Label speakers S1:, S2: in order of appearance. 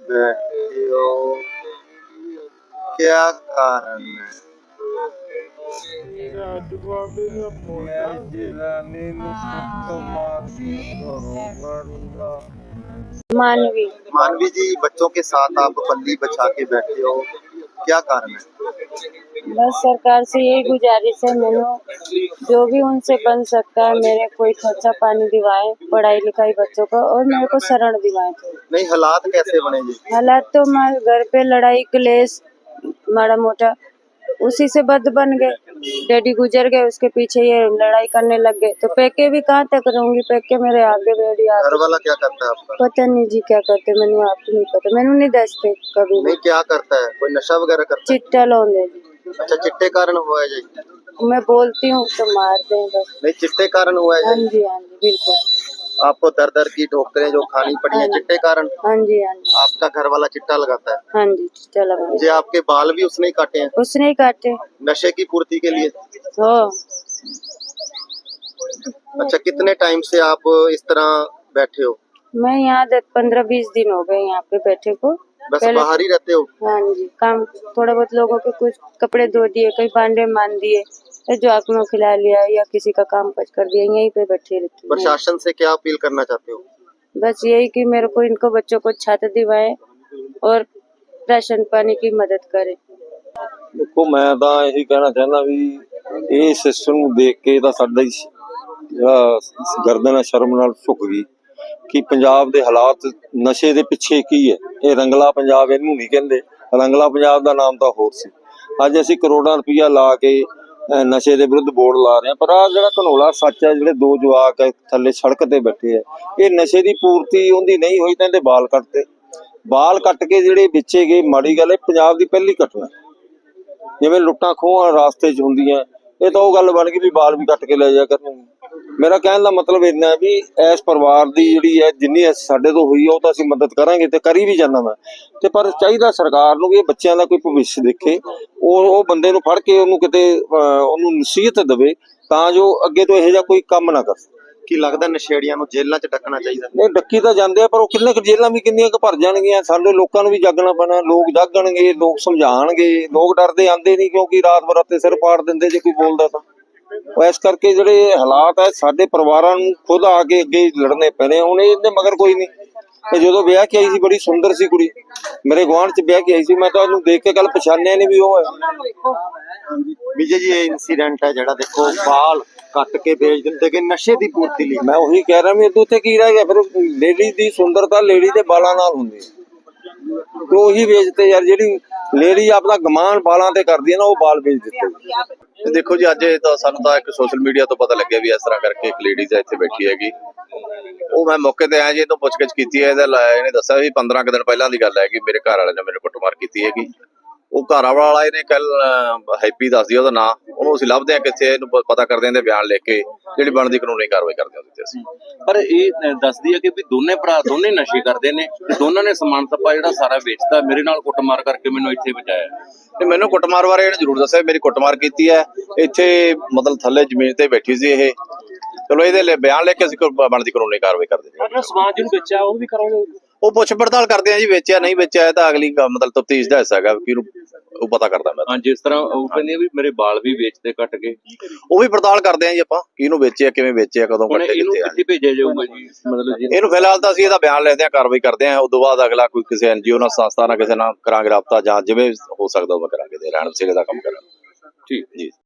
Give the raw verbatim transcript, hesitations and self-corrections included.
S1: बैठे हो, क्या कारण है?
S2: मानवी
S1: मानवी जी, बच्चों के साथ आप पल्ली बचा के बैठे हो, क्या कारण है?
S2: बस सरकार से यही गुजारिश है मैंने, जो भी उनसे बन सकता है मेरे कोई खर्चा पानी दिवाए, पढ़ाई लिखाई बच्चों को, और मेरे को शरण दिवाए।
S1: नहीं, हालात कैसे बने जी?
S2: हालात तो मैं घर पे लड़ाई क्लेश माड़ा मोटा उसी से बद बन गए। डैडी गुजर गए, उसके पीछे ये लड़ाई करने लग गए, तो पैके भी कहाँ तक रहूंगी, पैके मेरे आगे डैडी आगे।
S1: घर वाला क्या करता है आपका?
S2: पता नहीं जी क्या करते, मैंने आपको नहीं पता, मैंने नहीं दसते कभी
S1: नहीं, क्या करता है? कोई नशा वगैरह करता है?
S2: चिट्टा लौंदे जी।
S1: अच्छा, चिट्टे कारण हुआ है जी?
S2: मैं बोलती हूँ तो मारते हैं बस।
S1: नहीं, चिट्टे कारण हुआ है
S2: हाँ
S1: जी?
S2: जी हाँ जी बिल्कुल।
S1: आपको दर दर की ठोकरें जो खानी पड़ी है चिट्टे कारण?
S2: हाँ जी हाँ जी।
S1: आपका घर वाला चिट्टा लगाता है?
S2: हाँ जी चिट्टा लगा।
S1: जी, आपके बाल भी उसने ही काटे हैं?
S2: उसने ही काटे।
S1: नशे की पूर्ति के लिए?
S2: हो।
S1: अच्छा, कितने टाइम से आप इस तरह बैठे हो?
S2: मैं यहाँ दस पंद्रह बीस दिन हो गए यहाँ पे बैठे को।
S1: बस बाहर ही रहते हो?
S2: हाँ जी, काम थोड़ा बहुत लोगों के कुछ कपड़े धो दिए, कई भांडे मान दिए, जो आंखों खिला लिया या किसी का काम काज कर दिया, यहीं पे बैठे रहती हूँ।
S1: प्रशासन से क्या अपील करना चाहते हो?
S2: बस यही कि मेरे को इनको बच्चों को छात्र दिवाए और राशन पानी की मदद करे।
S3: देखो, मैं तो यही कहना चाहना भी ਇਹ ਸਿਸਟਮ ਨੂੰ ਦੇਖ ਕੇ ਤਾਂ ਸਾਡਾ ਹੀ ਜਿਹੜਾ ਗਰਦਨ ਸ਼ਰਮ ਨਾਲ ਝੁਕ ਗਈ ਕਿ ਪੰਜਾਬ ਦੇ ਹਾਲਾਤ ਨਸ਼ੇ ਦੇ ਪਿੱਛੇ ਕੀ ਹੈ। ਇਹ ਰੰਗਲਾ ਪੰਜਾਬ ਇਹਨੂੰ ਨਹੀਂ ਕਹਿੰਦੇ, ਰੰਗਲਾ ਪੰਜਾਬ ਦਾ ਨਾਮ ਤਾਂ ਹੋਰ ਸੀ। ਅੱਜ ਅਸੀਂ ਕਰੋੜਾਂ ਰੁਪਈਆ ਲਾ ਕੇ ਨਸ਼ੇ ਦੇ ਵਿਰੁੱਧ ਬੋਰਡ ਲਾ ਰਹੇ ਹਾਂ, ਪਰ ਆਹ ਜਿਹੜਾ ਘਨੋਲਾ ਸੱਚ ਹੈ, ਜਿਹੜੇ ਦੋ ਜਵਾਕ ਹੈ ਥੱਲੇ ਸੜਕ ਤੇ ਬੈਠੇ ਆ, ਇਹ ਨਸ਼ੇ ਦੀ ਪੂਰਤੀ ਉਹਦੀ ਨਹੀਂ ਹੋਈ ਤਾਂ ਇਹਦੇ ਬਾਲ ਕੱਟਦੇ, ਬਾਲ ਕੱਟ ਕੇ ਜਿਹੜੇ ਵੇਚੇ ਗਏ। ਮਾੜੀ ਗੱਲ ਹੈ, ਪੰਜਾਬ ਦੀ ਪਹਿਲੀ ਘਟਨਾ। ਜਿਵੇਂ ਲੁੱਟਾਂ ਖੋਹਾਂ ਰਾਸਤੇ 'ਚ ਹੁੰਦੀਆਂ, ਇਹ ਤਾਂ ਉਹ ਗੱਲ ਬਣ ਗਈ ਵੀ ਬਾਲ ਵੀ ਕੱਟ ਕੇ ਲੈ ਜਾ ਕਰਨਗੇ। ਮੇਰਾ ਕਹਿਣ ਦਾ ਮਤਲਬ ਇੰਨਾ ਵੀ ਇਸ ਪਰਿਵਾਰ ਦੀ ਜਿਹੜੀ ਹੈ ਜਿੰਨੀ ਸਾਡੇ ਤੋਂ ਹੋਈ ਉਹ ਤਾਂ ਅਸੀਂ ਮਦਦ ਕਰਾਂਗੇ ਤੇ ਕਰੀ ਵੀ ਜਾਂਦਾ ਮੈਂ, ਤੇ ਪਰ ਚਾਹੀਦਾ ਸਰਕਾਰ ਨੂੰ ਵੀ ਇਹ ਬੱਚਿਆਂ ਦਾ ਕੋਈ ਭਵਿੱਖ ਦੇਖੇ, ਉਹ ਉਹ ਬੰਦੇ ਨੂੰ ਫੜ ਕੇ ਉਹਨੂੰ ਕਿਤੇ ਉਹਨੂੰ ਨਸੀਹਤ ਦੇਵੇ ਤਾਂ ਜੋ ਅੱਗੇ ਤੋਂ ਇਹੋ ਜਿਹਾ ਕੋਈ ਕੰਮ ਨਾ ਕਰ।
S1: ਕੀ ਲੱਗਦਾ ਨਸ਼ੇੜੀਆਂ ਨੂੰ ਜੇਲ੍ਹਾਂ 'ਚ ਡੱਕਣਾ ਚਾਹੀਦਾ?
S3: ਨਹੀਂ, ਡੱਕੀ ਤਾਂ ਜਾਂਦੇ ਆ, ਪਰ ਉਹ ਕਿੰਨੇ ਕੁ ਜੇਲ੍ਹਾਂ ਵੀ ਕਿੰਨੀਆਂ ਕੁ ਭਰ ਜਾਣਗੀਆਂ। ਸਾਡੇ ਲੋਕਾਂ ਨੂੰ ਵੀ ਜਾਗਣਾ ਪੈਣਾ, ਲੋਕ ਜਾਗਣਗੇ, ਲੋਕ ਸਮਝਾਣਗੇ। ਲੋਕ ਡਰਦੇ ਆਂਦੇ ਨਹੀਂ ਕਿਉਂਕਿ ਰਾਤ ਬਰਾਤੇ ਸਿਰ ਪਾੜ ਦਿੰਦੇ ਜੇ ਕੋਈ ਬੋਲਦਾ ਤਾਂ। ਇਸ ਕਰਕੇ ਜਿਹੜੇ ਹਾਲਾਤ ਹੈ ਸਾਡੇ ਪਰਿਵਾਰਾਂ ਨੂੰ ਖੁਦ ਆ ਕੇ ਅੱਗੇ ਲੜਨੇ ਪੈਣੇ। ਹੁਣ ਇਹਦੇ ਮਗਰ ਕੋਈ ਨਹੀਂ। ਇਹ ਜਦੋਂ ਵਿਆਹ ਕੇ ਆਈ ਸੀ ਬੜੀ ਸੁੰਦਰ ਸੀ ਕੁੜੀ, ਮੇਰੇ ਗੁਆਂਢ 'ਚ ਵਿਆਹ ਕੇ ਆਈ ਸੀ, ਮੈਂ ਤਾਂ ਉਹਨੂੰ ਦੇਖ ਕੇ ਕੱਲ ਪਛਾਣਿਆ ਨਹੀਂ ਵੀ ਉਹ ਹੈ।
S1: ਵਿਜੇ ਜੀ, ਇਹ ਇਨਸੀਡੈਂਟ ਹੈ ਜਿਹੜਾ ਦੇਖੋ ਬਾਲ ਕੱਟ ਕੇ ਵੇਚ ਦਿੰਦੇ ਕਿ ਨਸ਼ੇ ਦੀ ਪੂਰਤੀ ਲਈ।
S3: ਮੈਂ ਉਹੀ ਕਹਿ ਰਿਹਾ ਵੀ ਇਹਦੇ ਉੱਤੇ ਕੀ ਰਹਿ ਗਿਆ ਫਿਰ। ਲੇਡੀ ਦੀ ਸੁੰਦਰਤਾ ਲੇਡੀ ਦੇ ਬਾਲਾਂ ਨਾਲ ਹੁੰਦੀ ਹੈ, ਤੇ ਉਹੀ ਵੇਚਦੇ ਯਾਰ। ਜਿਹੜੀ ਲੇਡੀ ਆਪਣਾ ਗਮਾਨ ਬਾਲਾਂ ਤੇ ਕਰਦੀ ਹੈ ਨਾ, ਉਹ ਬਾਲ ਵੇਚ ਦਿੱਤੇ।
S4: ਦੇਖੋ ਜੀ, ਅੱਜ ਤਾਂ ਸਾਨੂੰ ਤਾਂ ਇੱਕ ਸੋਸ਼ਲ ਮੀਡੀਆ ਤੋਂ ਪਤਾ ਲੱਗਿਆ ਵੀ ਇਸ ਤਰ੍ਹਾਂ ਕਰਕੇ ਇੱਕ ਲੇਡੀਜ਼ ਇੱਥੇ ਬੈਠੀ ਹੈਗੀ। ਉਹ ਮੈਂ ਮੌਕੇ ਤੇ ਆਇਆ ਜੀ, ਇਹਨੂੰ ਪੁੱਛਗਿੱਛ ਕੀਤੀ ਹੈ। ਇਹਦਾ ਇਹਨੇ ਦੱਸਿਆ ਵੀ ਪੰਦਰਾਂ ਕੁ ਦਿਨ ਪਹਿਲਾਂ ਦੀ ਗੱਲ ਹੈ ਕਿ ਮੇਰੇ ਘਰ ਵਾਲੇ ਨੇ ਮੇਰੇ ਕੁੱਟਮਾਰ ਕੀਤੀ ਹੈਗੀ। ਉਹ ਘਰ ਵਾਲਾ ਇਹਨੇ ਕੱਲ ਹੈਪੀ ਦੱਸਦੀ ਉਹਦਾ ਨਾਂ, ਉਹਨੂੰ ਅਸੀਂ ਲੱਭਦੇ ਹਾਂ ਕਿੱਥੇ, ਇਹਨੂੰ ਪਤਾ ਕਰਦੇ ਹਾਂ, ਬਿਆਨ ਲਿਖ ਕੇ ਜਿਹੜੀ ਬਣਦੀ ਕਾਨੂੰਨੀ ਕਾਰਵਾਈ ਕਰਦੇ ਹਾਂ ਉਹਦੇ ਅਸੀਂ।
S5: ਪਰ ਇਹ ਦੱਸਦੀ ਹੈ ਕਿ ਵੀ ਦੋਨੇ ਭਰਾ ਦੋਨੇ ਨਸ਼ੇ ਕਰਦੇ ਨੇ ਤੇ ਦੋਨਾਂ ਨੇ ਸਮਾਨ ਸੱਪਾ ਜਿਹੜਾ ਸਾਰਾ ਵੇਚਦਾ, ਮੇਰੇ ਨਾਲ ਕੁੱਟਮਾਰ ਕਰਕੇ ਮੈਨੂੰ ਇੱਥੇ ਬਚਾਇਆ।
S4: ਤੇ ਮੈਨੂੰ ਕੁੱਟਮਾਰ ਬਾਰੇ ਇਹਨੇ ਜ਼ਰੂਰ ਦੱਸਿਆ, ਮੇਰੀ ਕੁੱਟਮਾਰ ਕੀਤੀ ਹੈ ਇੱਥੇ, ਮਤਲਬ ਥੱਲੇ ਜ਼ਮੀਨ ਤੇ ਬੈਠੀ ਸੀ ਇਹ। ਚਲੋ ਇਹਦੇ ਲਈ ਬਿਆਨ ਲਿਖ ਕੇ ਅਸੀਂ ਬਣਦੀ ਕਾਨੂੰਨੀ ਕਾਰਵਾਈ ਕਰਦੇ ਹਾਂ।
S5: ਸਮਾਨ ਜਿਹਨੂੰ ਵੇਚਿਆ ਉਹ ਵੀ ਕਰਾਂਗੇ,
S4: ਉਹ ਪੁੱਛ ਪੜਤਾਲ ਕਰਦੇ ਆ ਜੀ, ਵੇਚਿਆ ਨਹੀਂ ਵੇਚਿਆ ਇਹ ਤਾਂ ਅਗਲੀ ਮਤਲਬ ਤਫਤੀਸ਼ ਦਾ ਹਿੱਸਾ ਹੈਗਾ ਕਿ ਉਹ ਪਤਾ ਕਰਦਾ ਮੈਂ।
S5: ਹਾਂ, ਜਿਸ ਤਰ੍ਹਾਂ ਉਹ ਕਹਿੰਦੇ ਵੀ ਮੇਰੇ ਬਾਲ ਵੀ ਵੇਚਦੇ ਕੱਟ ਕੇ,
S4: ਉਹ ਵੀ ਪੜਤਾਲ ਕਰਦੇ ਆ ਜੀ ਆਪਾਂ, ਕਿਹਨੂੰ ਵੇਚਿਆ, ਕਿਵੇਂ ਵੇਚਿਆ, ਕਦੋਂ ਕੱਟੇ,
S5: ਇਹਨੂੰ
S4: ਕਿੱਥੇ ਆ।
S5: ਕਿੱਥੇ ਭੇਜਿਆ ਜਾਊਗਾ ਜੀ? ਮਤਲਬ
S4: ਇਹਨੂੰ ਫਿਲਹਾਲ ਤਾਂ ਅਸੀਂ ਇਹਦਾ ਬਿਆਨ ਲੈਂਦੇ ਆ, ਕਾਰਵਾਈ ਕਰਦੇ ਆ। ਉਸ ਤੋਂ ਬਾਅਦ ਅਗਲਾ ਕੋਈ ਕਿਸੇ ਐਨਜੀਓ ਨਾਲ, ਸੰਸਥਾ ਨਾਲ, ਕਿਸੇ ਨਾਲ ਕਰਾਂਗੇ ਰਾਬਤਾ, ਜਾਂ ਜਿਵੇਂ ਹੋ ਸਕਦਾ ਉਹ ਕਰਾਂਗੇ, ਰਹਿਣ ਬਸੇਰੇ ਦਾ ਕੰਮ ਕਰਾਂਗੇ।
S5: ਠੀਕ ਜੀ।